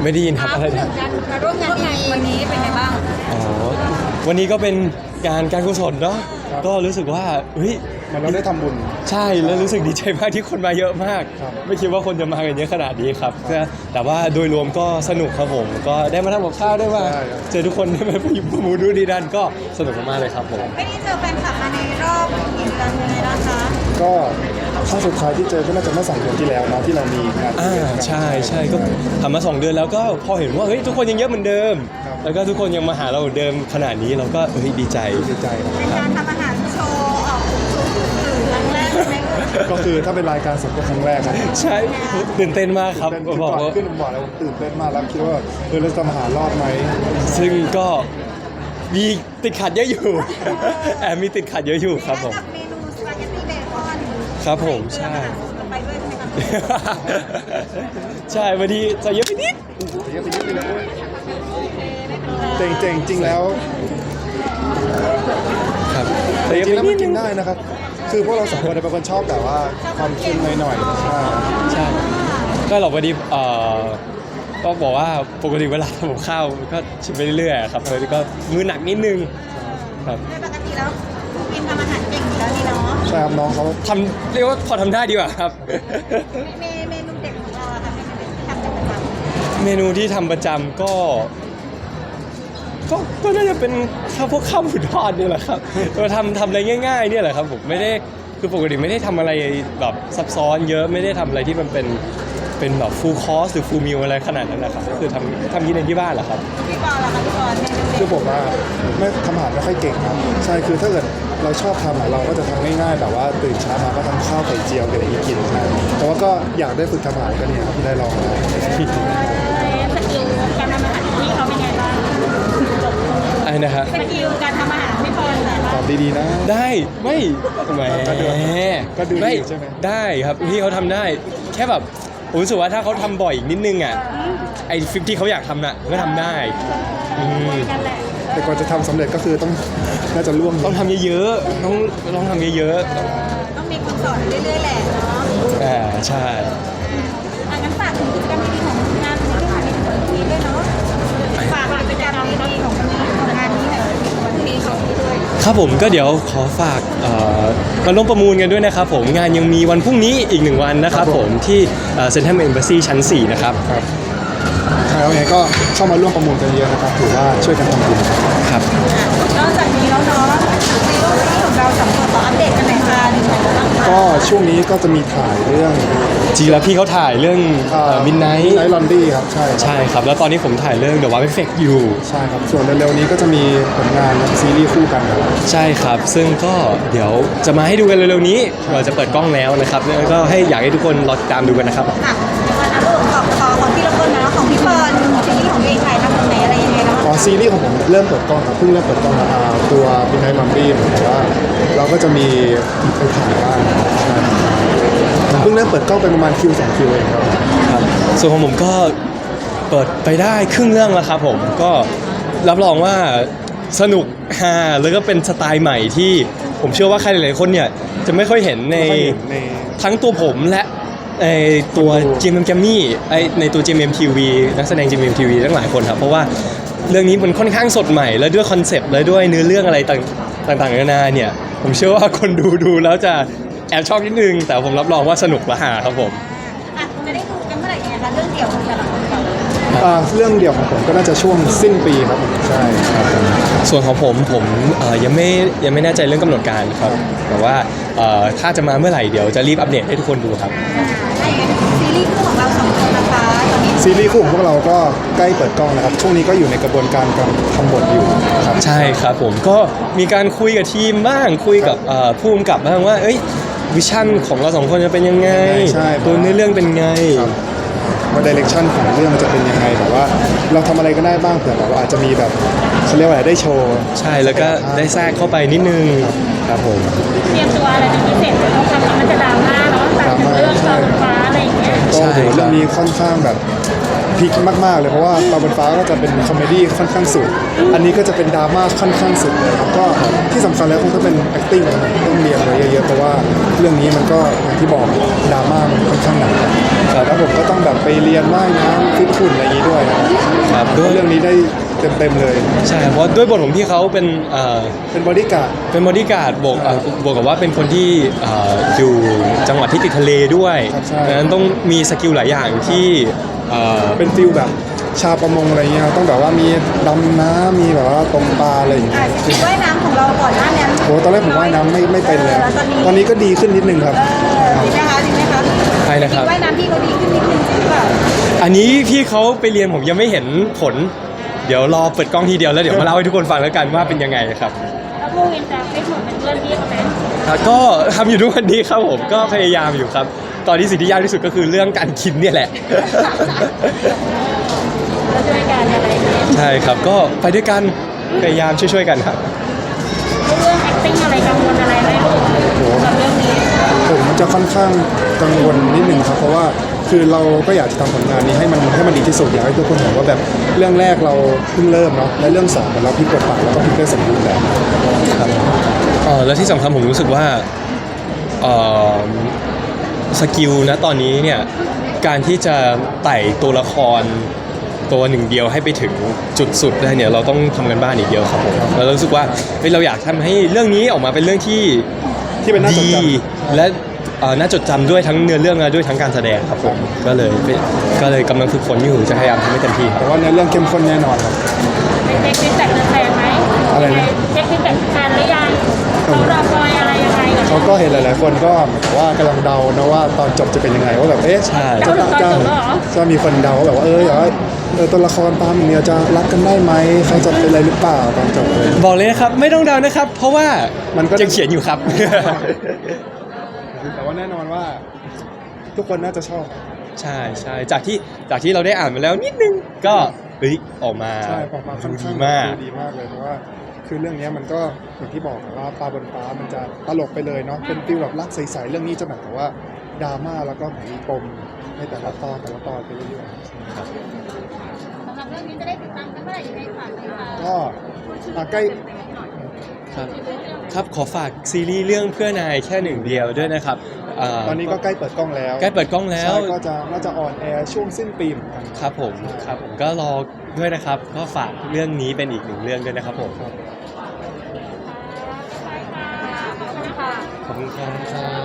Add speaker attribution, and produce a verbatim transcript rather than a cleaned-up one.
Speaker 1: ไม่ได้ยินครับอะไรนะ
Speaker 2: มาร่วมงานวันนี้เป็นไงบ้าง
Speaker 1: อ๋อวันนี้ก็เป็นการการกุศลเนาะก็รู้สึกว่าเฮ้ย
Speaker 3: มันเราได้ทำบุญ
Speaker 1: ใช่แล้วรู้สึกดีใจมากที่คนมาเยอะมากไม่คิดว่าคนจะมากันเยอะขนาดนี้ครับแต่ว่าโดยรวมก็สนุกครับผมก็ได้มาทำกับข้าวได้มาเจอทุกคนได้มาอยู่ประมูลดูดีดันก็สนุกมากเลยครับผม
Speaker 2: ไม่ได้เจอแฟนคลับมาในรอบกี่เดือนยังไงนะคะ
Speaker 3: ก็ครั้งสุดท้ายที่เจอก็น่าจะเมื่อสองเดือนที่แล้วเนาะที่เรามีงาน
Speaker 1: อ่าใช่ใช่ก็ทำมาสองเดือนแล้วก็พอเห็นว่าเฮ้ยทุกคนยังเยอะเหมือนเดิมแล้วก็ทุกคนยังมาหาเราเหมือนเดิมขนาดนี้เราก็เฮ้ยดีใจ
Speaker 3: ดีใจ
Speaker 2: เป็นการทำอาหารโชว์ออกสื่อครั้งแรกใช่ไหม
Speaker 3: ก็คือถ้าเป็นรายการสดก็ครั้งแรกครับ
Speaker 1: ใช่ตื่นเต้นมากครับ
Speaker 3: บอกว่าขึ้นบอกแล้วตื่นเต้นมากแล้วคิดว่าเออเราจะมาหารอดไหม
Speaker 1: ซึ่งก็มีติดขัดเยอะอยู่แอบมีติดขัดเยอะอยู่ครับผม
Speaker 2: เมนูสปาเกตตี้เบคอน
Speaker 1: ครับผมใช่
Speaker 2: ไปด้วยใช่ไหมครับ
Speaker 1: ใช่วันนี้จะเยอะไปนิด
Speaker 3: เยอะไปนิดเลยเจ๋งเจ๋งจริงแล้ว
Speaker 1: ครับ
Speaker 3: แต่จริงแล้วมันกินได้นะครับคือพวกเราสองคนเป็นคนชอบแต่ว่าความเค็มหน่อยๆใช่
Speaker 1: ใช่ก็หรอกวันนี้เอ่อก็บอกว่าปกติเวลาทำกับข้าวก็ชิมไปเรื่อยๆครับเลยก็มือหนักนิดนึงครับ
Speaker 2: ปกติแล้วกินทำอาหารเก่งอยู่แล้วนี่เนาะ
Speaker 3: ใช่ครับน้องเขา
Speaker 1: ทำเรียกว่าพอทำได้ดีกว่าครับ
Speaker 2: เมเมนูเด็ดของเราค่ะเมนูที่ทำเป็นประจำ
Speaker 1: เมนูที่ทำประจำก็ก็ก็น่าจะเป็นข้าวพวกข้าวหมูทอดนี่แหละครับเราทำทำอะไรง่ายๆเนี่ยแหละครับผมไม่ได้คือปกติไม่ได้ทำอะไรแบบซับซ้อนเยอะไม่ได้ทำอะไรที่มันเป็นเป็นแบบฟูลคอร์สหรือฟูลมิลอะไรขนาดนั้นนะครับก็คือทำทำกินในที่บ้านแหละครับ
Speaker 2: พี่บอลล่ะคะพี่บอล
Speaker 3: คือผมว่าไม่ทำอาหารไม่ค่อยเก่งครับใช่คือถ้าเกิดเราชอบทำเราก็จะทำง่ายๆแบบว่าตื่นเช้ามาก็ทำข้าวไข่เจียวอะไรอย่างนี้กินใช่แต่ว่าก็อยากได้ฝึกทำอาหารก็เนี่ยครับที่ได้ลอง
Speaker 2: สกิลการทำอาหารที่เขาเป็นไงบ้าง
Speaker 1: ไอ้นะฮะ
Speaker 2: สกิลการทำอาหารพี่บอล
Speaker 3: ตอบดีๆนะ
Speaker 1: ได้ไม่แหม
Speaker 3: ก็ดูดีใช่ไหม
Speaker 1: ได้ครับพี่เขาทำได้แค่แบบผมรู้สึกว่าถ้าเขาทำบ่อยอีกนิดนึงอ่ะไอ้ฟิปที่เขาอยากทำน่ะก็ทำได้
Speaker 3: แต่ก่อนจะทำสำเร็จก็คือต้องน่าจะร่วม
Speaker 1: ต้องทำเยอะๆต้องต้องทำเยอะ
Speaker 2: ๆต้องมีคนสอนเรื่อยๆแหละเนาะ
Speaker 1: อ่าใช่
Speaker 2: อ่ะงั้นฝากถึงกิจกรรมดีๆของงานนี้ด้วยด้วยเนาะฝากกิจกรรมดีๆของของงานนี้หน่อยวันนี้ของนี้ด้วย
Speaker 1: ครับผมก็เดี๋ยวขอฝากมาร่วมประมูลกันด้วยนะครับผมงานยังมีวันพรุ่งนี้อีกหนึ่งวันนะครับผมที่เซ็นทรัลเอ็มบาซีชั้นสี่นะครับ
Speaker 3: ครับใช่แล้วไงก็เข้ามาร่วมประมูลกันเยอะนะครับถือว่าช่วยกันทำบุญ
Speaker 1: ครับ
Speaker 2: นอกจากนี้แล้วเนาะในโลกนี้ของเราสองคนขออัปเดตกันหน่อยค่ะ
Speaker 3: ก็ช่วงนี้ก็จะมีถ่ายเรื่อง
Speaker 1: จริงแล้วพี่เขาถ่ายเรื่องมิดไนท์
Speaker 3: ไนท์ลอนดี้ครับใช่
Speaker 1: ใช่ครับแล้วตอนนี้ผมถ่ายเรื่อง The Wow Effect อยู่
Speaker 3: ใช่ครับส่วนเร็วๆนี้ก็จะมีผลงานซีรีส์คู่กัน
Speaker 1: ใช่ครับซึ่งก็เดี๋ยวจะมาให้ดูกันเร็วๆนี้เราจะเปิดกล้องแล้วนะครับแล้วก็ให้อยากให้ทุกคนรอติดตามดูกันนะครับ
Speaker 2: ค่ะวันนั้นของขอของที่เราเปิดนะของพี่เฟิร์นซีรีส์ของพี่ถ่ายทำตรงไหนอะไรยังไงแล้ว
Speaker 3: อ๋อซีรีส์ของผมเริ่มเปิดกล้องครับเพิ่งเริ่มเปิดกล้องนะตัวมิดไนท์ลอนดี้แต่ว่าเราก็จะมีไปถ่ายบ้างผมเพิ่งเริ่มเปิดกล้องไปประมาณคิวสองคิวเองครับ
Speaker 1: ครับส่วนของผมก็เปิดไปได้ครึ่งเรื่องแล้วครับผมก็รับรองว่าสนุกฮาแล้วก็เป็นสไตล์ใหม่ที่ผมเชื่อว่าใครหลายๆคนเนี่ยจะไม่ค่อยเห็นในทั้งตัวผมและในตัว จี เอ็ม เอ็ม Jammy ไอในตัว จี เอ็ม เอ็ม ที วี นักแสดง จี เอ็ม เอ็ม ที วี ทั้งหลายคนครับเพราะว่าเรื่องนี้มันค่อนข้างสดใหม่แล้วด้วยคอนเซปต์และด้วยเนื้อเรื่องอะไรต่างๆนานาเนี่ยผมเชื่อว่าคนดูดูแล้วจะแอบชอบนิดนึงแต่ผมรับรองว่าสนุกและหาครับผม
Speaker 2: อ่ะจะได้ดูกันเมื่อไหร่ยังไงคะเรื่องเดี่ยวของแต่ละคนก่อน
Speaker 3: เรื่องเดี่ยวของผมก็น่าจะช่วงสิ้นปีครับผมใช่ครับ
Speaker 1: ส่วนของผมผมยังไม่ยังไม่แน่ใจเรื่องกำหนดการครับแต่ว่าถ้าจะมาเมื่อไหร่เดี๋ยวจะรีบอัปเดตให้ทุกคนดูครับ
Speaker 2: ซีรีส์คู่ของเราสองคนนะคะตอนนี้
Speaker 3: ซีรีส์คู่ของพวกเราก็ใกล้เปิดกล้องนะครับช่วงนี้ก็อยู่ในกระบวนการการทำบทอยู่ครับ
Speaker 1: ใช่ครับผมก็มีการคุยกับทีมบ้างคุยกับผู้กำกับบ้างว่าเอ้ยวิชั่นของเราสองคนจะเป็นยังไงตัวเนื้อเรื่องเป็นไง
Speaker 3: ว่าดิเรกชันของเรื่องจะเป็นยังไงแต่ว่าเราทำอะไรก็ได้บ้างเผื่อแบบว่าอาจจะมีแบบเขาเรียกว่าอะไรได้โชว์
Speaker 1: ใช่แล้วก็ได้แทรกเข้าไปนิดนึงครับผม
Speaker 2: เตรียมตัวอะไรเป็นพิเศษเราทำแล้วมันจะดราม่าเนาะแต่เรื่องตาบนฟ้าอะไรอย่างเงี้ย
Speaker 3: ก็เรื่องนี้ค่อนข้างแบบพลิกมากๆเลยเพราะว่าตาบนฟ้าก็จะเป็นคอมเมดี้ค่อนข้างสุดอันนี้ก็จะเป็นดราม่าค่อนข้างสุดเลยครับก็ที่สำคัญแล้วคงต้องเป็น acting ต้องเรียนอะไรเยอะๆเพราะว่าเรื่องนี้มันก็อย่างที่บอกดราม่ามันค่อนข้างหนักแล้วผมก็ต้องแบบไปเรียนว่ายน้ำฟิตหุ่นอะไรอย่างนี้ด้วยครับ
Speaker 1: ครับ
Speaker 3: ด้
Speaker 1: ด้
Speaker 3: ว
Speaker 1: วย ย
Speaker 3: เรื่องนี้ได้เต็มๆเลย
Speaker 1: ใช่เพราะด้วยบทของพี่เขาเป็นเอ่อ
Speaker 3: เป็นบอดี้การ์ด
Speaker 1: เป็นบอดี้การ์ดบวกเอ่อบวกกับว่าเป็นคนที่เอ่ออยู่จังหวัดที่ติดทะเลด้วย
Speaker 3: ครับใช่
Speaker 1: ดังนั้นต้องมีสกิลหลายอย่างที่เอ่อ
Speaker 3: เป็นฟิลแบบชาวประมงอะไรเงี้ยต้องแบบว่ามีดำน้ำมีแบบว่าตกปลาอะไรอย่างเงี้
Speaker 2: อ่าย สกิลว่ายน้ำของเราก่อนหน้านี้
Speaker 3: โหตอนแรกผมว่ายน้ำไม่ไม่เป็นเลย
Speaker 2: ออตอนนี้
Speaker 3: ตอนนี้ก็ดีขึ้นนิดนึงครับ
Speaker 2: เออดีไหมคะดีไหมคะ
Speaker 1: ใช่นะครับ
Speaker 2: สกิลว่ายน้ำพี่เขาดีขึ้นนิดนึงหรือเปล่า
Speaker 1: อันนี้พี่เขาไปเรียนผมยังไม่เห็นผล เดี๋ยวรอเปิดกล้องทีเดียวแล้วเดี๋ยวมาเล่าให้ทุกคนฟังแล้วกันว่าเป็นยังไงครับ
Speaker 2: แล้วพวกอินจะไม่เหมือนเป็นเพื่อนพี่เขาไหม
Speaker 1: ครับก็ทำอยู่ทุกวันนี้ครับผมก็พยายามอยู่ครับ ตอนนี้สิ่งที่ยากที่สุดก็คือเรื่องการกินเนี่ยแหละ
Speaker 2: แล้วช่วยกันอะไรอย่างเงี้ย
Speaker 1: ใช่ครับก็ไปด้วยกันพยายามช่วยๆกันครับ
Speaker 2: เรื่อง acting อะไรกังวลอะไรไหมลูก
Speaker 3: โห
Speaker 2: กับเรื่องนี้
Speaker 3: ผมจะค่อนข้างกังวลนิดนึงครับเพราะว่าคือเราก็อยากจะทำผลงานนี้ให้มันให้มันดีที่สุดอยากให้ทุกคนเห็นว่าแบบเรื่องแรกเราเพิ่งเริ่มเนาะและเรื่องสองเราพลิกบทบาทแล้วก็พลิกได้สมบูรณ์แล้ว
Speaker 1: ครับเออแล้วที่สำคัญผมรู้สึกว่าเออสกิลนะตอนนี้เนี่ยการที่จะไต่ตัวละครตัวหนึ่งเดียวให้ไปถึงจุดสุดได้เนี่ยเราต้องทำกันบ้านอีกเยอะครับผมแล้วเรารู้สึกว่าเฮ้ยเราอยากทำให้เรื่องนี้ออกมาเป็นเรื่องที่
Speaker 3: ที่เป็นน่าจด
Speaker 1: ดี
Speaker 3: จำ
Speaker 1: และเอ่อน่าจดจำด้วยทั้งเนื้อเรื่องและด้วยทั้งการแสดงครับผมก็เลยก็เลยกำลังฝึกฝนอยู่จะพยายามทำให้เต็มที่ครับ
Speaker 3: แต่ว่าในเรื่องเข้มข้นแน่นอนครับ
Speaker 2: ไปเช็คฟีดแบ็กแฟนไหม
Speaker 3: อะไรนะ
Speaker 2: เช็คฟีดแบ็กแฟนหรือยังเขารอคอยอะไรยังไงกับ
Speaker 3: เขาก็เห็นหลาย ๆ คนก็เหมือนกับว่ากำลังเดานะว่าตอนจบจะเป็นยังไงว่าแบบเอ๊ะ
Speaker 1: ใช่
Speaker 3: จะจะจะมีคนเดาว่าแบบว่าเออเออเออตัวละครปาล์มเนี่ยจะรักกันได้ไหมเขาจะเป็นอะไรหรือเปล่าตอนจบเลย
Speaker 1: บอกเลยนะครับไม่ต้องเดานะครับ เพราะว่า
Speaker 3: มันก็
Speaker 1: ยังเขียนอยู่ครับ
Speaker 3: แต่ว่าแน่นอนว่า ทุกคนน่าจะชอบ
Speaker 1: ใช่ใช่จากที่จากที่เราได้อ่านมาแล้วนิดนึงก็เฮ้ยออกมา
Speaker 3: ใช่ออกมาค่อน
Speaker 1: ดี
Speaker 3: ข้าง
Speaker 1: มาก
Speaker 3: ดีมากเลยเพราะว่าคือเรื่องนี้มันก็อย่างที่บอกว่าปลาบนฟ้ามันจะตลกไปเลยเนาะเป็นฟิลแบบรักใส ๆ เรื่องนี้จะแบบว่าดราม่าแล้วก็มีปมในแต่ละตอนแต่ละตอนไปเรื่อย
Speaker 2: สำหรับเรื่องนี้จะได้ติดตามกันเมื่อไหร่ยังไงฝากเลยค่ะ
Speaker 3: ๆก็อ่ะใกล้
Speaker 1: ครับครับขอฝากซีรีส์เรื่องเพื่อนายแค่หนึ่งเดียวด้วยนะครับา
Speaker 3: ตอนนี้ก็ใกล้เปิดกล้องแล้ว
Speaker 1: ใกล้เปิดกล้องแล้ว
Speaker 3: ใช่ก็จะน่าจะออนแอร์ช่วงสิ้นปีเหมือนกัน
Speaker 1: ครับผมครับผมก็รอด้วยนะครับ ก็ฝากเรื่องนี้เป็นอีกหนึ่งเรื่องด้วยนะครับผม
Speaker 3: ครับ
Speaker 2: ขอบคุณค่ะ
Speaker 1: ขอบคุณครับ